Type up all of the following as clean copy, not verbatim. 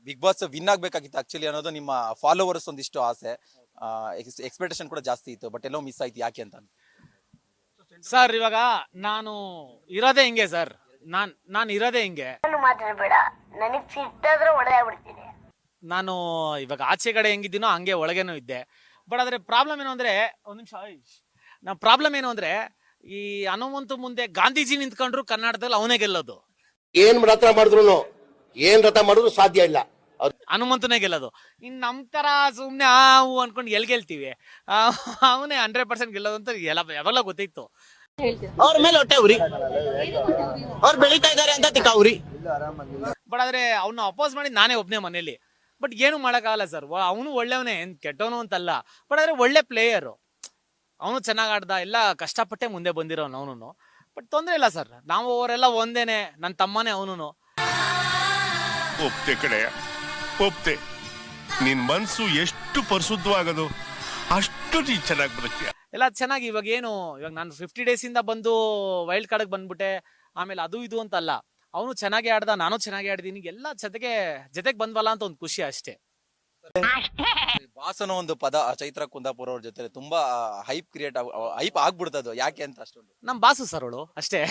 Big Boss win ಆಗ್ಬೇಕಾಗಿತ್ತು actually ಅನ್ನೋದು ನಿಮ್ಮ ಫಾಲೋವರ್ಸ್ ಒಂದಿಷ್ಟು ಆಸೆ, ಎಕ್ಸ್ಪೆಕ್ಟೇಷನ್ ಕೂಡ ಜಾಸ್ತಿ ಇತ್ತು. ಬಟ್ ಎಲ್ಲೋ ಮಿಸ್ ಆಯ್ತು, ಯಾಕೆ ಅಂತ. ಸರ್ ಇವಾಗ ನಾನು ಇರೋದೇ ಹಿಂಗೆ ಸರ್, ನಾನು ಇರೋದೇ ಹಿಂಗೆ. ಮಾತಾಡಬೇಡ, ನನಗೆ ಸಿಟ್ಟಾದ್ರೆ ಹೊಡೆದಾಗ್ಬಿಡ್ತೀನಿ. ನಾನು ಇವಾಗ ಆಚೆ ಕಡೆ ಹೆಂಗಿದ್ದೀನೋ ಹಂಗೆ ಒಳಗೇನೂ ಇದ್ದೆ. ಬಟ್ ಆದ್ರೆ ಪ್ರಾಬ್ಲಮ್ ಏನು ಅಂದ್ರೆ, ಒಂದ್ ನಿಮಿಷ, ನಮ್ಮ ಪ್ರಾಬ್ಲಮ್ ಏನು ಅಂದ್ರೆ, ಈ ಹನುಮಂತು ಮುಂದೆ ಗಾಂಧೀಜಿ ನಿಂತ್ಕೊಂಡ್ರು ಕರ್ನಾಟಕದಲ್ಲಿ ಅವನೇ ಗೆಲ್ಲೋದು. ಏನ್ ರಥ ಮಾಡಿದ್ರು ಸಾಧ್ಯ ಇಲ್ಲ, ಹನುಮಂತನೇ ಗೆಲ್ಲೋದು. ಇನ್ ನಮ್ ತರ ಸುಮ್ನೆ ಹಾವು ಅನ್ಕೊಂಡು ಗೆಲ್ತೀವಿ, ಅವನೇ 100% ಗೆಲ್ಲೋದು ಅಂತ ಯಾವಾಗಲೂ ಗೊತ್ತಿತ್ತು. ಅವ್ರ ಮೇಲೆ ಹೊಟ್ಟೆ ಉರಿ, ಅವ್ರು ಬೆಳೀತಾ ಇದಾರೆ ಅಂತ ತಿಕ್ಕಾವ್ರಿ. ಬಟ್ ಆದ್ರೆ ಅವ್ನ ಅಪೋಸ್ ಮಾಡಿ ನಾನೇ ಒಬ್ನೇ ಮನೇಲಿ. ಬಟ್ ಏನು ಮಾಡಕ್ಕಾಗಲ್ಲ ಸರ್, ಅವನು ಒಳ್ಳೆಯವನೇ, ಕೆಟ್ಟವನು ಅಂತಲ್ಲ. ಬಟ್ ಆದ್ರೆ ಒಳ್ಳೆ ಪ್ಲೇಯರು, ಅವನು ಚೆನ್ನಾಗ್ ಆಡ್ದ, ಎಲ್ಲ ಕಷ್ಟಪಟ್ಟೆ ಮುಂದೆ ಬಂದಿರೋನು ಅವನು. ಬಟ್ ತೊಂದ್ರೆ ಇಲ್ಲ ಸರ್, ನಾವು ಅವರೆಲ್ಲ ಒಂದೇನೆ, ನನ್ನ ತಮ್ಮನೇ ಅವನು. ಒಪ್ತೆ ಕಡೆಯ ಒಪ್ತೆ, ನಿನ್ ಮನ್ಸು ಎಷ್ಟು ಪರಿಶುದ್ಧವಾಗದು ಅಷ್ಟು ನೀ ಚೆನ್ನಾಗಿ ಬರುತ್ತೆ ಎಲ್ಲ ಚೆನ್ನಾಗಿ. ಇವಾಗ ನಾನು 50 days ಇಂದ ಬಂದು ವೈಲ್ಡ್ ಕಾರ್ಡ್ ಬಂದ್ಬಿಟ್ಟೆ, ಆಮೇಲೆ ಅದು ಇದು ಅಂತಲ್ಲ, ಅವನು ಚೆನ್ನಾಗಿ ಆಡ್ದ, ನಾನು ಚೆನ್ನಾಗಿ ಆಡಿದೀನಿ, ಎಲ್ಲ ಜೊತೆಗೆ ಬಂದ್ವಲ್ಲ ಅಂತ ಒಂದು ಖುಷಿ ಅಷ್ಟೇ. ಬಾಸ್ ಅನ್ನೋ ಒಂದು ಪದ ಚೈತ್ರ ಕುಂದಾಪುರ ಅವ್ರ ಜೊತೆ ತುಂಬಾ ಹೈಪ್ ಆಗ್ಬಿಡ್ತದು, ಯಾಕೆ ಅಂತ ಅಷ್ಟೊಂದು. ನಮ್ ಬಾಸು ಸರ್ ಅವಳು ಅಷ್ಟೇ.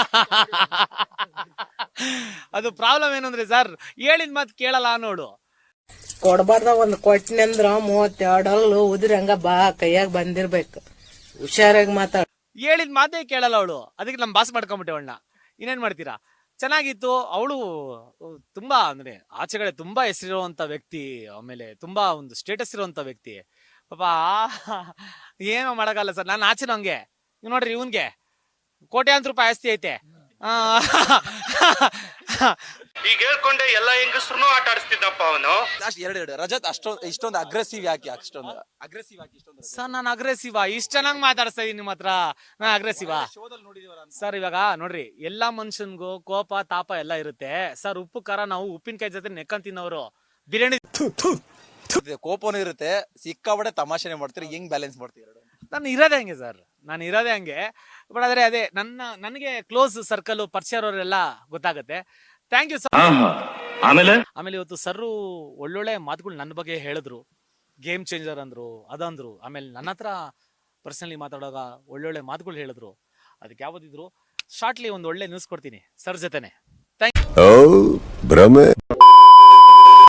ಅದು ಪ್ರಾಬ್ಲಮ್ ಏನು ಅಂದ್ರೆ ಸರ್, ಹೇಳಿದ ಮಾತು ಕೇಳಲ್ಲ ನೋಡು. ಕೊಡ್ಬಾರ್ದ ಒಂದ್ ಕೊಟ್ಟಿನಿ ಅಂದ್ರ 32 ಉದ್ರಿ ಹಂಗ ಕೈಯಾಗ ಬಂದಿರ್ಬೇಕು, ಹುಷಾರಾಗಿ ಮಾತಾಡ. ಹೇಳಿದ ಮಾತೇ ಕೇಳಲ್ಲ ಅವಳು, ಅದಕ್ಕೆ ನಮ್ ಬಾಸ್ ಮಾಡ್ಕೊಂಬಿಟ್ಟೆ ಅವಳನ್ನ. ಇನ್ನೇನ್ ಮಾಡ್ತೀರಾ, ಚೆನ್ನಾಗಿತ್ತು. ಅವಳು ತುಂಬಾ ಅಂದ್ರೆ ಆಚೆಗಡೆ ತುಂಬಾ ಹೆಸರಿರುವಂತ ವ್ಯಕ್ತಿ, ಆಮೇಲೆ ತುಂಬಾ ಒಂದು ಸ್ಟೇಟಸ್ ಇರುವಂತ ವ್ಯಕ್ತಿ. ಪಾಪ ಏನೋ ಮಾಡಕ್ಕಲ್ಲ ಸರ್, ನಾನು ಆಚೆನೂ ಹಂಗೆ. ನೀವು ನೋಡ್ರಿ, ಇವನ್ಗೆ ಕೋಟ್ಯಾಂತರ ರೂಪಾಯಿ ಆಸ್ತಿ ಐತೆ. ಈಗ ಹೇಳ್ಕೊಂಡೆ ಎಲ್ಲ ಹೆಂಗಸ್ರು ಆಟ ಆಡಿಸ್ತಿದ್ದಪ್ಪ ಅವನು. ಎರಡು ರಜತ್ ಇಷ್ಟೊಂದು ಅಗ್ರೆಸಿವ್ ಯಾಕೆ ಸರ್? ನಾನು ಅಗ್ರೆಸಿವಾ? ಇಷ್ಟ ಚೆನ್ನಾಗಿ ಮಾತಾಡಿಸ್ತಾ ಇದೀನಿ ನಿಮ್ಮ ಹತ್ರ, ನಾನು ಅಗ್ರೆಸಿವಾ? ಸರ್ ಇವಾಗ ನೋಡ್ರಿ, ಎಲ್ಲಾ ಮನುಷ್ಯನ್ಗೂ ಕೋಪ ತಾಪ ಎಲ್ಲ ಇರುತ್ತೆ ಸರ್. ಉಪ್ಪು ಖಾರ ನಾವು ಉಪ್ಪಿನಕಾಯಿ ಜೊತೆ ನೆಕ್ಕಂಡ್ ತಿನ್ನೋರು. ಬಿರಿಯಾನಿ ಕೋಪನೂ ಇರುತ್ತೆ, ಸಿಕ್ಕಾಬಡೆ ತಮಾಷೆನೆ ಮಾಡ್ತೀರಿ, ಹೆಂಗ್ ಬ್ಯಾಲೆನ್ಸ್ ಮಾಡ್ತೀರಿ? ನಾನು ಇರೋದೇ ಹಂಗೆ ಸರ್, ನಾನು ಇರೋದೇ ಹಂಗೆ. ಬಟ್ ಆದ್ರೆ ಅದೇ ನನಗೆ ಕ್ಲೋಸ್ ಸರ್ಕಲ್ ಪರಿಚಯ ಅವರೆಲ್ಲ ಗೊತ್ತಾಗುತ್ತೆ. Thank you sir. ಆಮೇಲೆ ಇವತ್ತು ಸರ್ ಒಳ್ಳೊಳ್ಳೆ ಮಾತುಗಳು ನನ್ನ ಬಗ್ಗೆ ಹೇಳಿದ್ರು, ಗೇಮ್ ಚೇಂಜರ್ ಅಂದ್ರು, ಅದಂದ್ರು. ಆಮೇಲೆ ನನ್ನ ಹತ್ರ ಪರ್ಸನಲಿ ಮಾತಾಡುವಾಗ ಒಳ್ಳೊಳ್ಳೆ ಮಾತುಗಳು ಹೇಳಿದ್ರು. ಅದಕ್ಕೆ ಯಾವ್ದಿದ್ರು ಶಾರ್ಟ್ಲಿ ಒಂದು ಒಳ್ಳೆ ನ್ಯೂಸ್ ಕೊಡ್ತೀನಿ ಸರ್ ಜೊತೆನೆ. Thank you.